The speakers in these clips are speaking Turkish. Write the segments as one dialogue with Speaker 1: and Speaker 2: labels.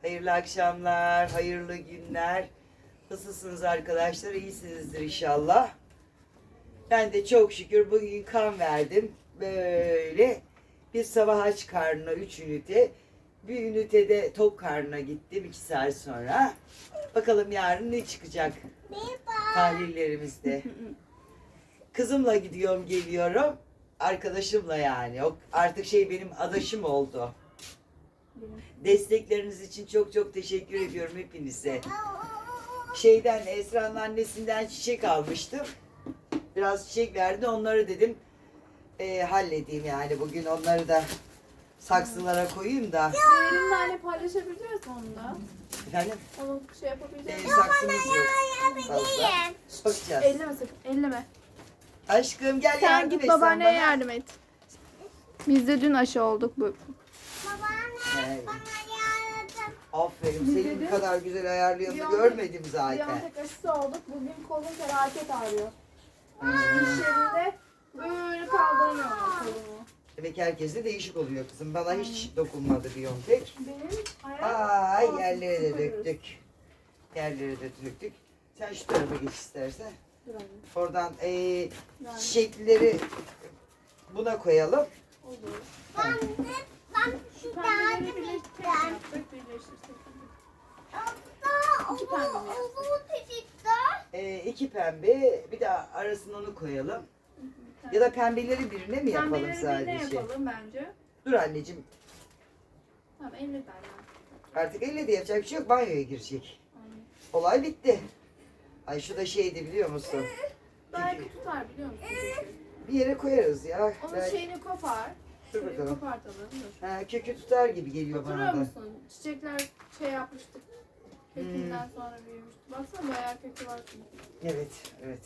Speaker 1: Hayırlı akşamlar, hayırlı günler. Nasılsınız arkadaşlar? İyisinizdir inşallah. Ben de çok şükür bugün kan verdim. Böyle bir sabah aç karnına 3 ünite. Bir ünitede tok karnına gittim 2 saat sonra. Bakalım yarın ne çıkacak tahlillerimizde. Kızımla gidiyorum geliyorum. Arkadaşımla yani. O artık benim adaşım oldu. Destekleriniz için çok çok teşekkür ediyorum hepinize. Esra'nın annesinden çiçek almıştım. Biraz çiçek verdi. Onları dedim halledeyim yani. Bugün onları da saksılara koyayım da.
Speaker 2: Elimle hani paylaşabiliyoruz onu da.
Speaker 1: Efendim?
Speaker 2: Onu yapabiliriz.
Speaker 1: Saksımız yok. Fazla. Bakacağız.
Speaker 2: Elleme sakın, elleme.
Speaker 1: Aşkım gel
Speaker 2: Sen
Speaker 1: yardım
Speaker 2: git
Speaker 1: et
Speaker 2: babaanneye
Speaker 1: bana.
Speaker 2: yardım et. Biz de dün aşı olduk bu.
Speaker 1: Evet. Aferin. Senin bu kadar güzel ayarlayanı
Speaker 2: Biyontek-
Speaker 1: görmedim zaten.
Speaker 2: Biyontek aşısı olduk. Bugün kolum felaket ağrıyor. İş yerinde böyle kaldıramıyorum kolumu.
Speaker 1: Demek herkese değişik oluyor kızım. Bana hiç dokunmadı Biyontek.
Speaker 2: Benim ayağım...
Speaker 1: Ay yerlere de döktük. Yerlere de döktük. Sen şu tarafa geç istersen.
Speaker 2: Dur anne.
Speaker 1: Oradan
Speaker 2: Yani.
Speaker 1: çiçekleri buna koyalım.
Speaker 2: Olur.
Speaker 1: Ha.
Speaker 2: Şu pembeleri birleştirsek. İki pembe mi?
Speaker 1: 2 pembe, bir de arasına onu koyalım. Ya da pembeleri birine mi yapalım
Speaker 2: Pembeleri
Speaker 1: sadece?
Speaker 2: birine yapalım bence.
Speaker 1: Dur anneciğim,
Speaker 2: Tamam 50 tane.
Speaker 1: artık elle de yapacak bir şey yok, banyoya girecek.
Speaker 2: Aynen.
Speaker 1: Olay bitti. Ay şu da şeydi biliyor musun?
Speaker 2: Belki tutar biliyor musun?
Speaker 1: Bir yere koyarız ya.
Speaker 2: Onun
Speaker 1: Belki-
Speaker 2: şeyini kopar.
Speaker 1: Dur
Speaker 2: Şöyle
Speaker 1: bakalım.
Speaker 2: kopartalım. Dur.
Speaker 1: Kökü tutar gibi geliyor
Speaker 2: Hatırlıyor
Speaker 1: bana da.
Speaker 2: musun? Çiçekler yapmıştık. Kökünden sonra büyümüştü. Baksana bayağı kökü var çünkü.
Speaker 1: Evet, evet.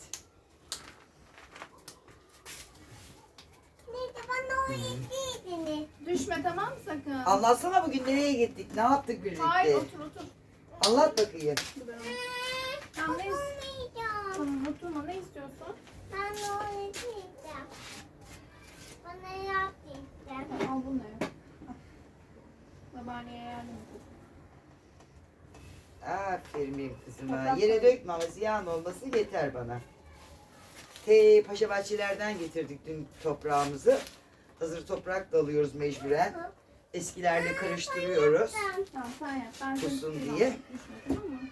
Speaker 2: Düşme tamam mı sakın?
Speaker 1: Anlatsana bugün nereye gittik, ne yaptık birlikte?
Speaker 2: Hayır otur otur.
Speaker 1: Anlat bakayım.
Speaker 2: Dur ben onu- Tamam ne Tamam oturma ne istiyorsun? Tamam, al bunu da yap. Al. Babaanneye yardım et.
Speaker 1: Aferin benim kızıma.
Speaker 2: Toprak
Speaker 1: Yere
Speaker 2: koy.
Speaker 1: dökme ama ziyan olması yeter bana. Paşa Bahçeler'den getirdik dün toprağımızı. Hazır toprak da alıyoruz mecburen. Eskilerle karıştırıyoruz.
Speaker 2: Tamam sen yap. Ben seni
Speaker 1: Kusun
Speaker 2: tutayım
Speaker 1: diye.
Speaker 2: ama düşme, tamam mı?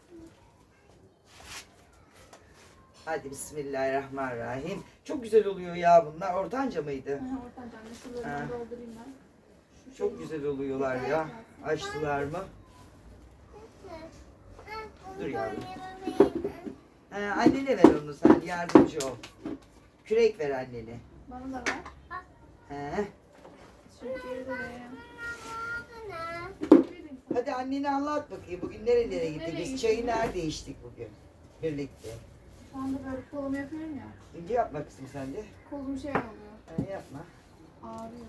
Speaker 1: Hadi bismillahirrahmanirrahim. Çok güzel oluyor ya bunlar. Ortanca mıydı?
Speaker 2: Aha, oradan canlı şuralarını
Speaker 1: Ha.
Speaker 2: doldurayım ben. Şu
Speaker 1: Çok
Speaker 2: şeyi-
Speaker 1: güzel oluyorlar ya. Açtılar mı? Dur yavrum. Annene ver onu sen. Yardımcı ol. Kürek ver annene.
Speaker 2: Bana da ver.
Speaker 1: He.
Speaker 2: Teşekkür ederim.
Speaker 1: Hadi annene anlat bakayım. Bugün nerelere gittik?
Speaker 2: Nereye
Speaker 1: Biz
Speaker 2: gittik?
Speaker 1: çayı nerede içtik bugün? Birlikte.
Speaker 2: Şu anda böyle kolumu yapıyorum ya.
Speaker 1: İnce yapma kızım sen de.
Speaker 2: Kolum şey oluyor.
Speaker 1: Yapma.
Speaker 2: Ağrıyor.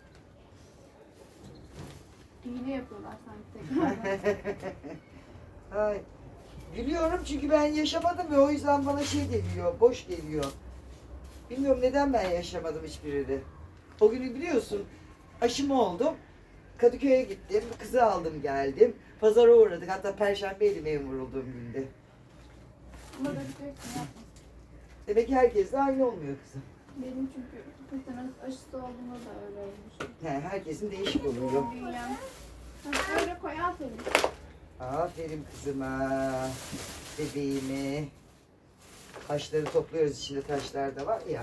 Speaker 2: İğne yapıyorlar sanki tekrar.
Speaker 1: Ay. Gülüyorum çünkü ben yaşamadım ve o yüzden bana geliyor, boş geliyor. Bilmiyorum neden ben yaşamadım hiçbirini. O günü biliyorsun, aşımı oldum. Kadıköy'e gittim, kızı aldım geldim. Pazara uğradık, hatta Perşembeydi memur olduğum günde.
Speaker 2: Ama da bir yapma.
Speaker 1: Demek ki herkesle aynı olmuyor kızım.
Speaker 2: Benim çünkü tetanus aşısı olduğumda da öyle olmuş.
Speaker 1: Herkesin değişik oluyor.
Speaker 2: Doğum dünyam. Ha, öyle koy aferin.
Speaker 1: Aferin kızıma, bebeğime. Taşları topluyoruz, içinde taşlar da var ya.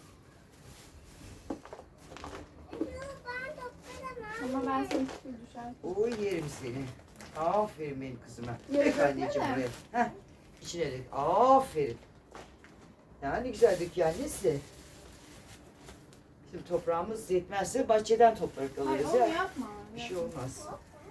Speaker 2: Ama ben seni tutuyor düşer.
Speaker 1: Oy yerim seni. Aferin benim kızıma.
Speaker 2: Yere
Speaker 1: Dök anneciğim
Speaker 2: döksene.
Speaker 1: buraya. Heh, içine dök. Aferin. Ya ne güzel döküyor annesi. Şimdi toprağımız yetmezse bahçeden toprak
Speaker 2: Hayır
Speaker 1: alırız
Speaker 2: onu
Speaker 1: ya.
Speaker 2: yapma.
Speaker 1: Bir şey olmaz.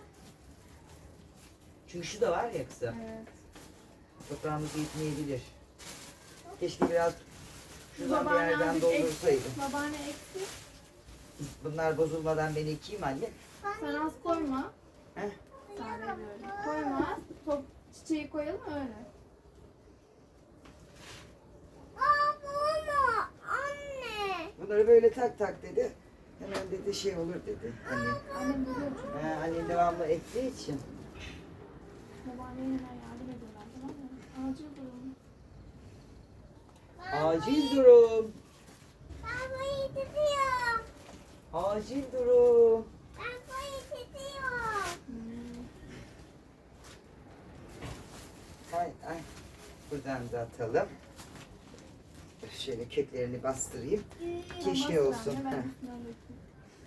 Speaker 1: Çünkü şu da var ya kızım.
Speaker 2: Evet.
Speaker 1: Toprağımız yetmeyebilir. Keşke biraz şuradan bir
Speaker 2: Babaanne
Speaker 1: yerden
Speaker 2: azıcık
Speaker 1: doldursaydım.
Speaker 2: Babaanne eksik.
Speaker 1: Bunlar bozulmadan ben ekeyim anne.
Speaker 2: Sen az koyma.
Speaker 1: Heh.
Speaker 2: Sade böyle. Koyma. Çiçeği koyalım öyle.
Speaker 1: Bunları böyle tak tak dedi. Hemen dedi olur dedi. Anne.
Speaker 2: Annem biliyor çünkü.
Speaker 1: Anne devamlı ektiği için.
Speaker 2: Babaanneye hemen yardım ediyorlar, tamam mı? Acil durum.
Speaker 1: Acil durum.
Speaker 3: Ben burayı tutuyorum.
Speaker 1: Acil durum.
Speaker 3: Ben burayı tutuyorum.
Speaker 1: Ay ay. Buradan da atalım. Şöyle köklerini bastırayım. Keşke olsun.
Speaker 2: Ben
Speaker 1: Heh.
Speaker 2: üstünden dökeyim.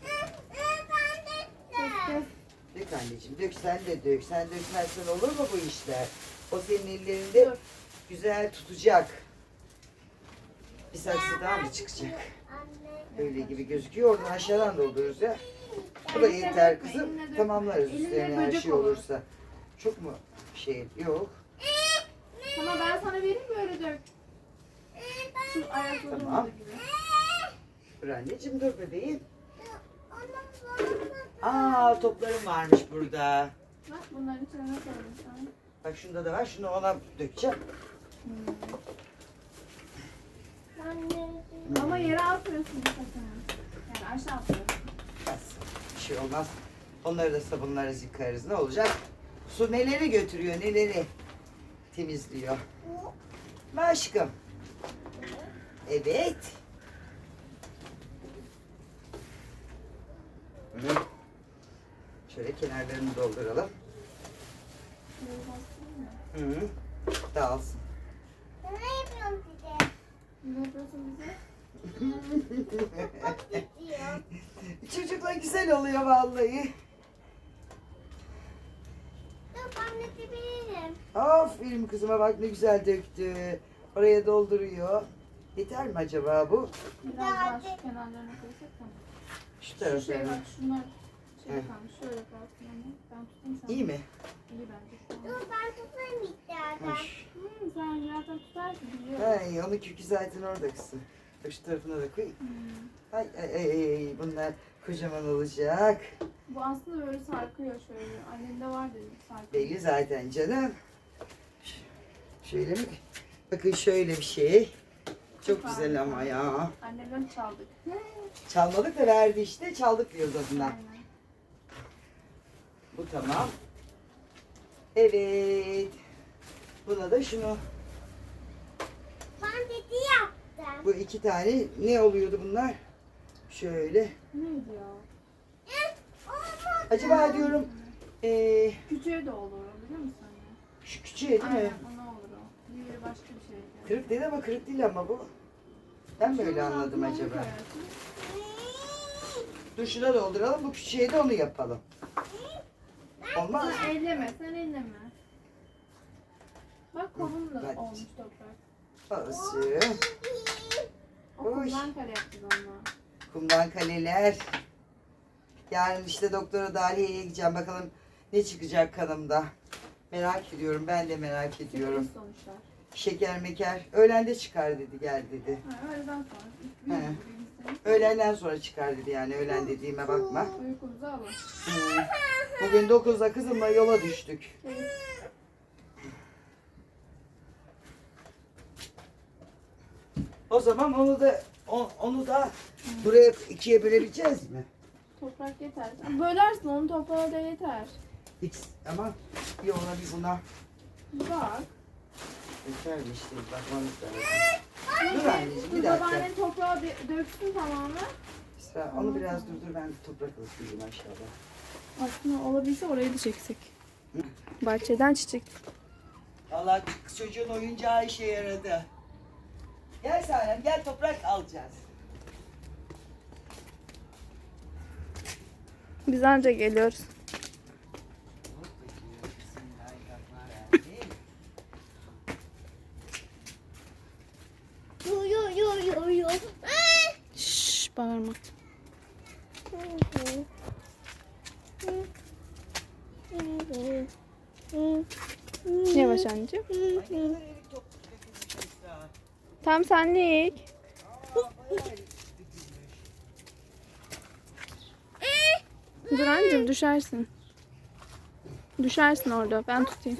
Speaker 3: Ben de
Speaker 1: Dök anneciğim, dök sen de dök. Sen dökmezsen olur mu bu işler? O senin ellerinde
Speaker 2: Dur.
Speaker 1: güzel tutacak. Bir saksı daha mı çıkacak?
Speaker 3: Anne.
Speaker 1: Öyle gibi gözüküyor. Oradan aşağıdan doldururuz ya. Bu da
Speaker 2: Eline
Speaker 1: yeter
Speaker 2: dökme,
Speaker 1: kızım.
Speaker 2: eline dökme.
Speaker 1: Tamamlarız
Speaker 2: Elinde
Speaker 1: üstlerine her
Speaker 2: böcek
Speaker 1: şey
Speaker 2: olur.
Speaker 1: olursa. Çok mu şey? Yok.
Speaker 2: Ama ben sana vereyim böyle dök. Şu ayaklarını
Speaker 1: Tamam.
Speaker 2: olduğu gibi.
Speaker 1: Dur anneciğim dur bebeğim.
Speaker 3: Onun
Speaker 1: Aa toplarım varmış burada.
Speaker 2: Bak bunların içine ne koydum sen?
Speaker 1: Bak şunda da var. Şunu ona dökeceğim.
Speaker 3: Anne.
Speaker 2: Ama yere atmıyorsun sakın. Yani aşağı atıyorsun.
Speaker 1: Olmaz. Bir şey olmaz. Onları da sabunlarız yıkarız. Ne olacak? Su neleri götürüyor neleri temizliyor. Mi aşkım? Evet. Hı. Şöyle kenarlarını dolduralım.
Speaker 2: Şöyle bastırayım mı?
Speaker 1: Hı. Dağılsın.
Speaker 3: Ne yapıyorum size?
Speaker 2: Ne yapıyorsun bize?
Speaker 3: Gidiyor.
Speaker 1: Çocuklar güzel oluyor vallahi.
Speaker 3: Dur ben de bilirim.
Speaker 1: Aferin kızıma bak ne güzel döktü. Oraya dolduruyor. Yeter mi acaba bu?
Speaker 2: Biraz daha şu kenarlarına koysak tamam.
Speaker 1: Şu
Speaker 2: Şu şey
Speaker 1: taraflarına.
Speaker 2: bak şunlar şey
Speaker 1: Hı.
Speaker 2: kalmış. Şöyle kalsın ama. Ben tutayım sen.
Speaker 1: İyi mi?
Speaker 2: İyi bence şu an.
Speaker 3: Dur ben tutayım istersen.
Speaker 1: Hoş.
Speaker 2: Sen zaten tutarsın biliyorum.
Speaker 1: Ay, onun kökü zaten orada kızım. Bak şu tarafına da koy.
Speaker 2: Hmm.
Speaker 1: Ay, ay, ay, ay, bunlar kocaman olacak.
Speaker 2: Bu aslında böyle sarkıyor şöyle. Annemde var dedi sarkıyor.
Speaker 1: Belli zaten canım. Şöyle mi? Bakın şöyle bir şey. Çok güzel ama ya.
Speaker 2: Annemden çaldık.
Speaker 1: Çalmadık da verdi işte. Çaldık diyoruz adına.
Speaker 2: Aynen.
Speaker 1: Bu tamam. Evet. Buna da şunu.
Speaker 3: Ben dedi yaptım.
Speaker 1: Bu iki tane ne oluyordu bunlar? Şöyle.
Speaker 2: Neydi ya?
Speaker 3: Olmadı.
Speaker 1: Acaba diyorum
Speaker 2: Küçüğe de olur biliyor musun anne?
Speaker 1: şu küçüğe değil
Speaker 2: Aynen
Speaker 1: mi?
Speaker 2: ona olur o. Diğeri başka bir şey.
Speaker 1: Kırık dedi ama kırık değil ama bu. Ben mi öyle anladım acaba? Dur şuna dolduralım. Bu küçüğe de onu yapalım. Olmaz mı?
Speaker 2: Sen elleme, sen elleme. Bak kovun da
Speaker 1: Hadi.
Speaker 2: olmuş toprak.
Speaker 1: Olsun.
Speaker 2: O
Speaker 1: Oy.
Speaker 2: kumdan kare yaptık onunla.
Speaker 1: Kumdan kaleler. Yarın işte doktora Daliye'ye gideceğim. Bakalım ne çıkacak kanımda. Merak ediyorum. Ben de merak ediyorum.
Speaker 2: Sıkıntı sonuçlar.
Speaker 1: Şeker meker. Öğlende çıkar dedi. Gel dedi.
Speaker 2: Ha, öğleden sonra.
Speaker 1: He.
Speaker 2: Büyük
Speaker 1: Öğlenden sonra çıkar dedi yani. Öğlen dediğime bakma.
Speaker 2: Uykumuzu alın.
Speaker 1: Hı. Bugün 9'da kızımla yola düştük.
Speaker 2: Evet.
Speaker 1: O zaman onu da buraya ikiye bölebileceğiz mi?
Speaker 2: Toprak yeter. Bölersin onu toprağa da yeter.
Speaker 1: Hiç ama bir ona bir buna
Speaker 2: Bak.
Speaker 1: yeter mi işte bakmamız lazım. Dur anneciğim bir
Speaker 2: Dur
Speaker 1: dakika.
Speaker 2: babaannen toprağı döksün tamamen.
Speaker 1: İsra, onu biraz durdur ben toprak alıp aşağıda.
Speaker 2: Aslında olabilse orayı da çeksek. Bahçeden çiçek.
Speaker 1: Allah çocuğun oyuncağı işe yaradı. Gel Sanem gel toprak alacağız.
Speaker 2: Biz anca geliyoruz.
Speaker 1: Bismillahirrahmanirrahim.
Speaker 3: Yo.
Speaker 2: Şşş bağırma. Yavaş anneciğim.
Speaker 1: Ay, ne kadar erik toplamış Esra.
Speaker 2: Tam senlik.
Speaker 1: Aa, bayağı erik dökülmüş.
Speaker 2: Dur anneciğim düşersin. Düşersin orada. Ben tutayım.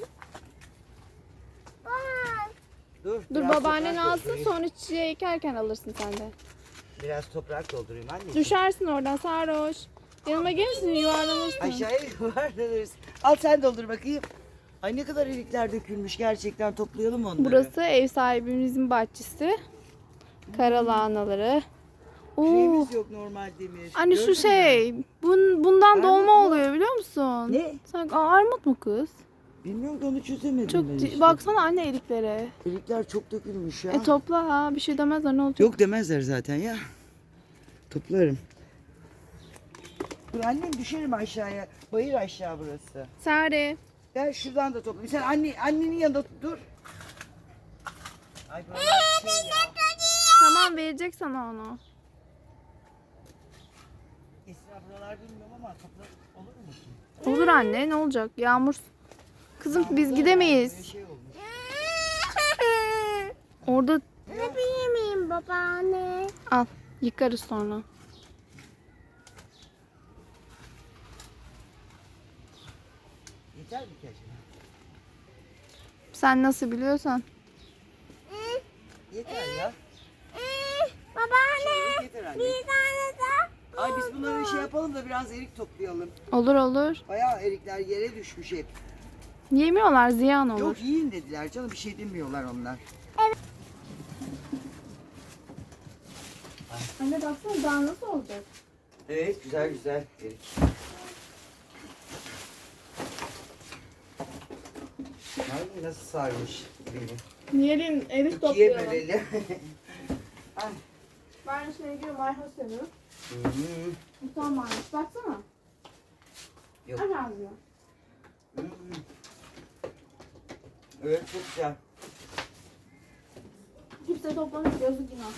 Speaker 1: Dur
Speaker 2: Dur
Speaker 1: biraz
Speaker 2: babaannen
Speaker 1: toprak
Speaker 2: alsın
Speaker 1: doldurayım.
Speaker 2: sonra çiçeği ekerken alırsın sen de.
Speaker 1: Biraz toprak doldurayım anneciğim.
Speaker 2: Düşersin oradan sarhoş. Yanıma gelirsin yuvarlanırsın.
Speaker 1: Aşağıya yuvarlanırız. Al sen doldur bakayım. Ay ne kadar erikler dökülmüş. Gerçekten toplayalım onları.
Speaker 2: Burası ev sahibimizin bahçesi. Karalahanaları. Oo.
Speaker 1: Şeyimiz yok normal demir.
Speaker 2: Anne
Speaker 1: Gördün
Speaker 2: şu
Speaker 1: mü?
Speaker 2: şey. Bundan
Speaker 1: Armut
Speaker 2: dolma
Speaker 1: mu?
Speaker 2: oluyor biliyor musun?
Speaker 1: Ne?
Speaker 2: Sanki armut mu kız?
Speaker 1: Bilmiyorum ki onu çözemedim
Speaker 2: Çok
Speaker 1: ben işte.
Speaker 2: baksana anne eriklere.
Speaker 1: Erikler çok dökülmüş ya.
Speaker 2: Topla ha, bir şey demezler, ne olacak?
Speaker 1: Yok demezler zaten ya. Toplarım. Dur annem düşerim aşağıya. Bayır aşağı burası.
Speaker 2: Sare.
Speaker 1: Gel şuradan da topla. Sen annenin yanında dur. Ay buralar şey ya.
Speaker 2: Tamam, verecek sana onu.
Speaker 1: Esra buralar bilmiyorum ama topla olur mu ki?
Speaker 2: Olur anne, ne olacak? Yağmur. Kızım biz
Speaker 1: Yağmurda
Speaker 2: gidemeyiz.
Speaker 1: böyle şey olmuş.
Speaker 2: Orada
Speaker 3: Öpebilir miyim babaanne?
Speaker 2: al. Yıkarız sonra.
Speaker 1: Yeter mi ki acaba?
Speaker 2: Sen nasıl biliyorsan.
Speaker 1: Yeter ya.
Speaker 3: Babaanne
Speaker 1: Şeylik yeter anne.
Speaker 3: bir tane daha.
Speaker 1: Ay biz bunları şey yapalım da biraz erik toplayalım.
Speaker 2: Olur olur.
Speaker 1: Bayağı erikler yere düşmüş hep.
Speaker 2: Yemiyorlar, ziyan olur.
Speaker 1: Yok yiyin dediler canım, bir şey demiyorlar onlar.
Speaker 2: Anne baksana daha nasıl olacak?
Speaker 1: Evet güzel güzel erik. Ay nasıl sarmış beni.
Speaker 2: Yiyelim, erik
Speaker 1: İkiye
Speaker 2: toplayalım.
Speaker 1: bölelim. Ay.
Speaker 2: Ben şuna gidiyorum, Ayha seviyor.
Speaker 1: Hı-hı.
Speaker 2: Utan varmış, baksana.
Speaker 1: Yok.
Speaker 2: Aç ağzını.
Speaker 1: Hı-hı. Evet çok güzel.
Speaker 2: Kimse toplamış, yazık günah.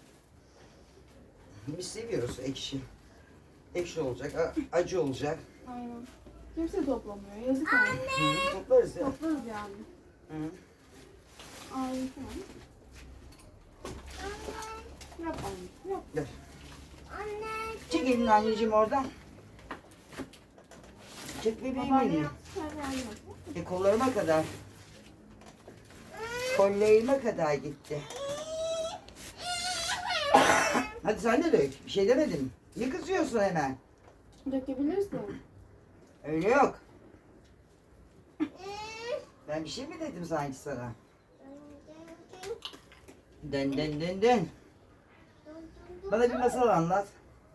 Speaker 1: Biz seviyoruz ekşi. Ekşi olacak, acı olacak.
Speaker 2: Aynen. Kimse toplamıyor, yazık yani.
Speaker 1: Hı-hı. Toplarız ya.
Speaker 2: Toplarız yani.
Speaker 1: Hı-hı.
Speaker 2: Aynen. Yap anne, yap.
Speaker 1: Gel.
Speaker 3: Anne.
Speaker 1: Çek elini anneciğim oradan. Çek bebeğim
Speaker 2: Babaanne
Speaker 1: elini.
Speaker 2: yap, sen de yap.
Speaker 1: Kollarıma kadar. Kollarıma kadar gitti. Hadi sen de dök. Bir şey demedim. Niye kızıyorsun hemen?
Speaker 2: Dökebilirsin.
Speaker 1: Öyle yok. Ben bir şey mi dedim sanki sana? Den den den den. Bana bir masal anlat.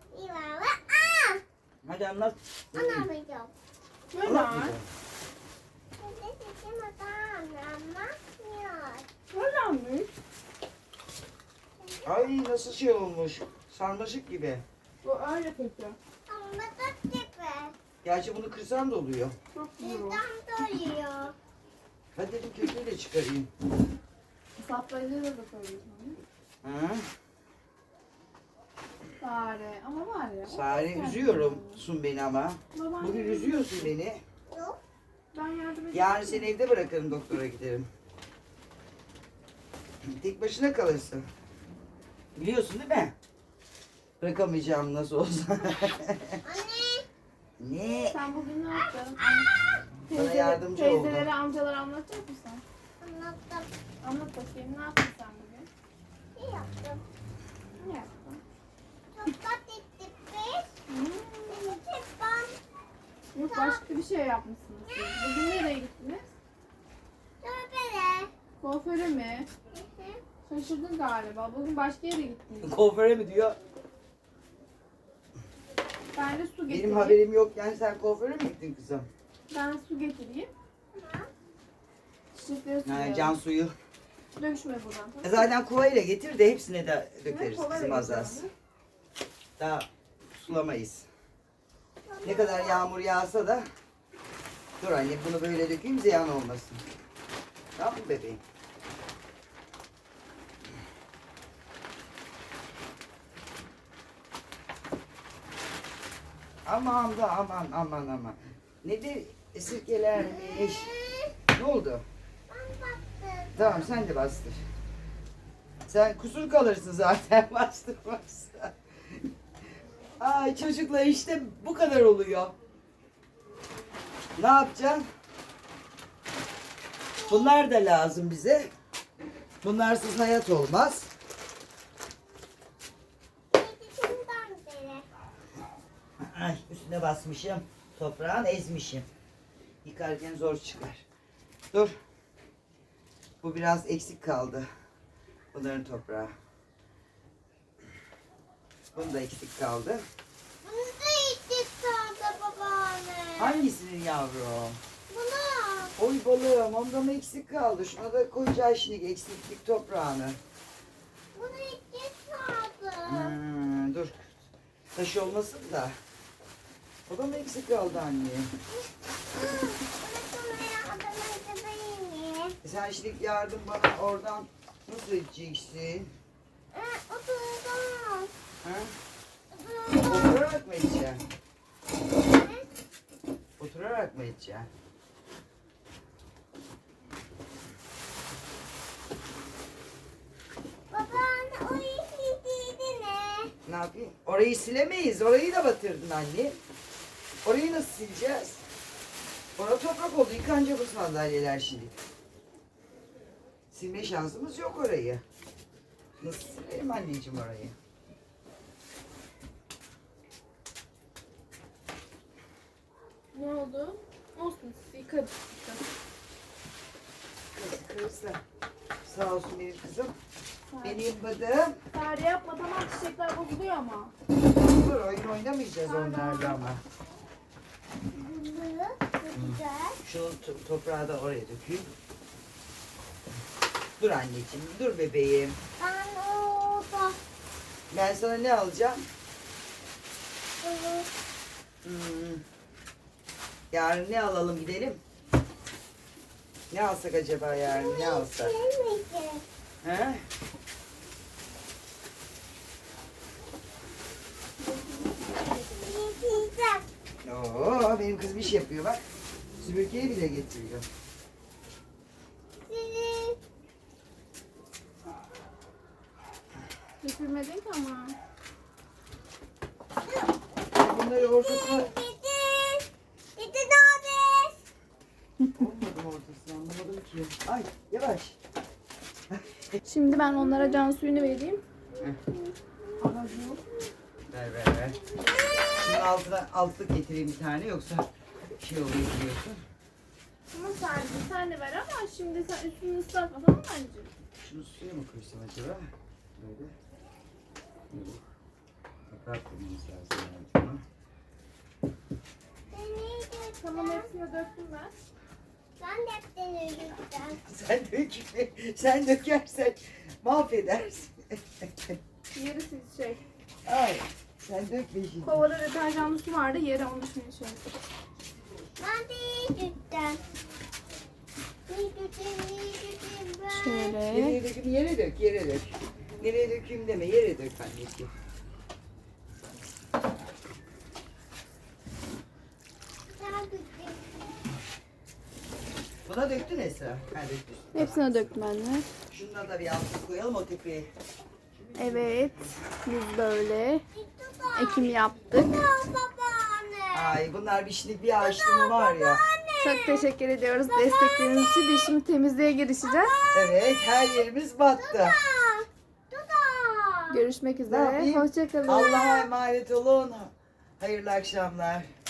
Speaker 1: Hadi anlat.
Speaker 3: Anlamayacağım.
Speaker 2: Neden?
Speaker 1: Anlatmayacağım.
Speaker 3: Şimdi sesim anlamıyor.
Speaker 2: Nedenmiş?
Speaker 1: Ay nasıl şey olmuş. Sarmaşık gibi.
Speaker 2: Bu öyle kötü.
Speaker 3: Ama da tepe.
Speaker 1: Gerçi bunu kırsan da oluyor.
Speaker 2: Çok güzel o.
Speaker 3: Neden doluyor?
Speaker 1: Hadi dedim kökünü de çıkarayım.
Speaker 2: Saplayıcı da koyuyorsun.
Speaker 1: Ha?
Speaker 2: Sare. Ama var ya.
Speaker 1: Sare üzüyorsun beni ama.
Speaker 2: Babaanne.
Speaker 1: Bugün üzüyorsun beni.
Speaker 3: Yok.
Speaker 2: Ben yardım edeyim.
Speaker 1: Yarın seni evde bırakırım, doktora giderim. Tek başına kalırsın. Biliyorsun değil mi? Bırakamayacağım nasıl olsa.
Speaker 3: Anne.
Speaker 1: Ne?
Speaker 2: Sen bugün ne yaptın?
Speaker 1: Bana yardımcı oldu.
Speaker 2: Teyzelere, amcalara anlatacak mısın?
Speaker 3: Anlattım.
Speaker 2: Anlat bakayım. Ne yaptın sen bugün?
Speaker 3: Ne yaptım?
Speaker 2: Ne yaptın?
Speaker 3: Toplat ettik biz. Seni tepam.
Speaker 2: Yok, başka bir şey yapmışsınız siz. Bugün nereye gittiniz?
Speaker 3: Tövbele.
Speaker 2: Kuaföre mi? Şaşırdın galiba. Bugün başka yere gittiniz.
Speaker 1: Kuaföre mi diyor?
Speaker 2: Ben de su getireyim.
Speaker 1: Benim haberim yok yani, sen kuaföre mi gittin kızım?
Speaker 2: Ben su getireyim. Çiçekleri
Speaker 1: Ha,
Speaker 2: sulayalım.
Speaker 1: can suyu.
Speaker 2: Döküşme buradan. Tamam.
Speaker 1: Zaten kovayla getir de hepsine de dökeriz
Speaker 2: Kovayla
Speaker 1: kızım az az.
Speaker 2: getireyim.
Speaker 1: Daha sulamayız. Ne kadar yağmur yağsa da. Dur anne bunu böyle dökeyim, ziyan olmasın. Tamam mı bebeğim? Aman da aman aman aman. Nedir sirkelermiş. Ne oldu?
Speaker 3: Ben baktım.
Speaker 1: Tamam sen de bastır. Sen kusur kalırsın zaten bastırmazsan. Ay çocuklar işte bu kadar oluyor. Ne yapacaksın? Bunlar da lazım bize. Bunlarsız hayat olmaz.
Speaker 3: Yedisinden beri.
Speaker 1: Ay üstüne basmışım. Toprağın ezmişim. Yıkarken zor çıkar. Dur. Bu biraz eksik kaldı. Bunların toprağı. Bunun da eksik kaldı.
Speaker 3: Bunu da içtik kaldı babaanne.
Speaker 1: Hangisinin yavrum?
Speaker 3: Bunu.
Speaker 1: Oy balığım, onda mı eksik kaldı? Şuna da koyacağız şimdi eksiklik toprağını.
Speaker 3: Bunu içtik kaldı.
Speaker 1: Dur. Taş olmasın da. O da mı eksik kaldı anne? Sen şimdi yardım bana oradan nasıl edeceksin?
Speaker 3: Oturdum.
Speaker 1: Ha? Oturarak mı edeceksin? Oturarak mı edeceksin?
Speaker 3: Babaanne o işliydi ne?
Speaker 1: Ne yapayım? Orayı silemeyiz. Orayı da batırdın anne. Orayı nasıl sileceğiz? Orada toprak oldu. Yıkanacak bu sandalyeler şimdi. Silme şansımız yok orayı. Nasıl silelim anneciğim orayı?
Speaker 2: Ne oldu? Olsun yıkadık.
Speaker 1: Kızım. Sağ olsun benim kızım. Benim bıdım.
Speaker 2: Tarih yapma tamam çiçekler bozuluyor ama.
Speaker 1: Dur oyun oynamayacağız onlarla ama.
Speaker 3: Bunu güzel.
Speaker 1: Şu toprağı da oraya dökeyim. Dur anneciğim, dur bebeğim.
Speaker 3: Ben orada.
Speaker 1: Ben sana ne alacağım?
Speaker 3: Bunu.
Speaker 1: Yarın ne alalım gidelim? Ne alsak acaba yarın? Ne alsak?
Speaker 3: Yemeyeceğim.
Speaker 1: He?
Speaker 3: Yiyeceğim.
Speaker 1: Oo, benim kızım iş yapıyor bak. Süpürgeyi bile getiriyor.
Speaker 3: Sizin.
Speaker 2: Götürmedin ki ama.
Speaker 1: Bunları ortasına...
Speaker 3: Dedi abi.
Speaker 1: Olmadım ortasına anlamadım ki. Ay yavaş.
Speaker 2: Şimdi ben onlara can suyunu vereyim.
Speaker 1: Ver. Şunun altına altlık getireyim bir tane yoksa şey oluyor biliyorsun.
Speaker 2: Ama sen de ver ama şimdi sen üstünü ıslatma tamam mı anneciğim?
Speaker 1: Şunu suya mı koysam acaba? Böyle. Yok. Toprak koymamız lazım yani buna.
Speaker 2: Tamam hepsini döktüm ben.
Speaker 3: Ben de hepsini yiyeceğim.
Speaker 1: Sen dökersen mahvedersin.
Speaker 2: Yarısı şey.
Speaker 1: Ay sen dökme şimdi.
Speaker 2: Kovada deterjanlı su vardı yere onu şimdi şey.
Speaker 3: Ben de yiyeceğim. Yiyeceğim ben.
Speaker 2: Şöyle.
Speaker 1: Nereye dökeyim? Yere dök. Nereye dökeyim deme, yere dök anneciğim.
Speaker 3: Sen güzel.
Speaker 1: Buna döktün Esra. Ha döktün.
Speaker 2: Hepsine döktüm anne.
Speaker 1: Şundan da bir altlık koyalım o tepeye.
Speaker 2: Evet. Biz böyle ekim yaptık.
Speaker 3: Babaanne.
Speaker 1: Ay bunlar bir şimdi bir ağaçlığımı var ya.
Speaker 2: Çok teşekkür ediyoruz destekleriniz için. Biz şimdi temizliğe girişeceğiz.
Speaker 1: Evet her yerimiz battı.
Speaker 2: Görüşmek
Speaker 1: Ne
Speaker 2: üzere.
Speaker 1: yapayım?
Speaker 2: Hoşçakalın.
Speaker 1: Allah'a emanet olun. Hayırlı akşamlar.